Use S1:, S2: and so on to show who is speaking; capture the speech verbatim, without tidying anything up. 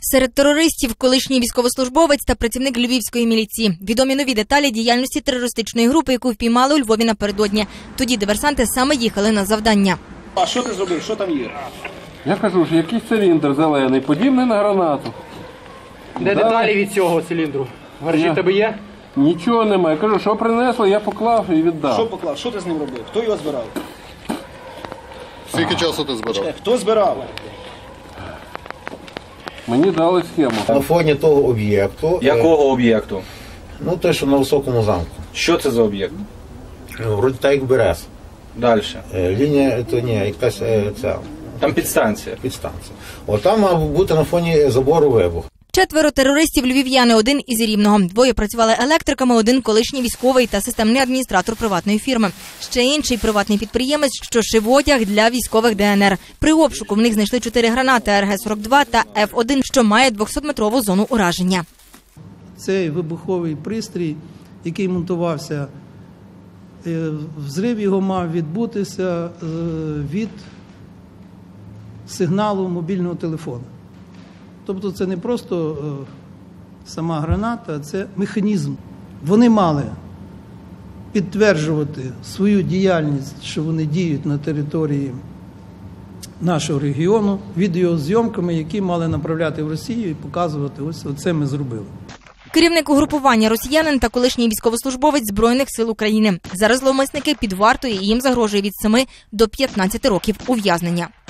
S1: Серед терористів – колишній військовослужбовець та працівник львівської міліції. Відомі нові деталі діяльності терористичної групи, яку впіймали у Львові напередодні. Тоді диверсанти саме їхали на завдання.
S2: А що ти зробив? Що там є?
S3: Я кажу, що якийсь циліндр зелений, подібний на гранату.
S4: Де
S3: Да.
S4: деталі від цього циліндру? В гаражі
S3: Я-
S4: тебе є?
S3: Нічого немає. Я кажу, що принесли, я поклав і віддав.
S2: Що поклав? Що ти з ним робив? Хто його збирав?
S5: Скільки часу ти збирав?
S2: Чекай, хто збирав?
S3: Мені дали схему.
S6: На фоні того об'єкту, е,
S7: Якого об'єкту?
S6: ну той, що на високому замку,
S7: Що це за об'єкт?
S6: ну, вроді так як Берез.
S7: Далі.
S6: Е, Лінія, то ні, якась е, ця
S7: Там підстанція.
S6: підстанція. От там мав бути на фоні забору вибух.
S1: Четверо терористів – львів'яни, один із Рівного. Двоє працювали електриками, один – колишній військовий та системний адміністратор приватної фірми. Ще інший – приватний підприємець, що шив одяг для військових Де Ен Ер. При обшуку в них знайшли чотири гранати Ер Ге сорок два та Еф один, що має двохсотметрову зону ураження.
S8: Цей вибуховий пристрій, який монтувався, е, взрив його мав відбутися е, від сигналу мобільного телефону. Тобто це не просто е, сама граната, а це механізм. Вони мали підтверджувати свою діяльність, що вони діють на території нашого регіону, відеозйомками, які мали направляти в Росію і показувати, ось це ми зробили.
S1: Керівник угрупування – росіянин та колишній військовослужбовець Збройних сил України. Зараз зловмисники під вартою і їм загрожує від семи до п'ятнадцяти років ув'язнення.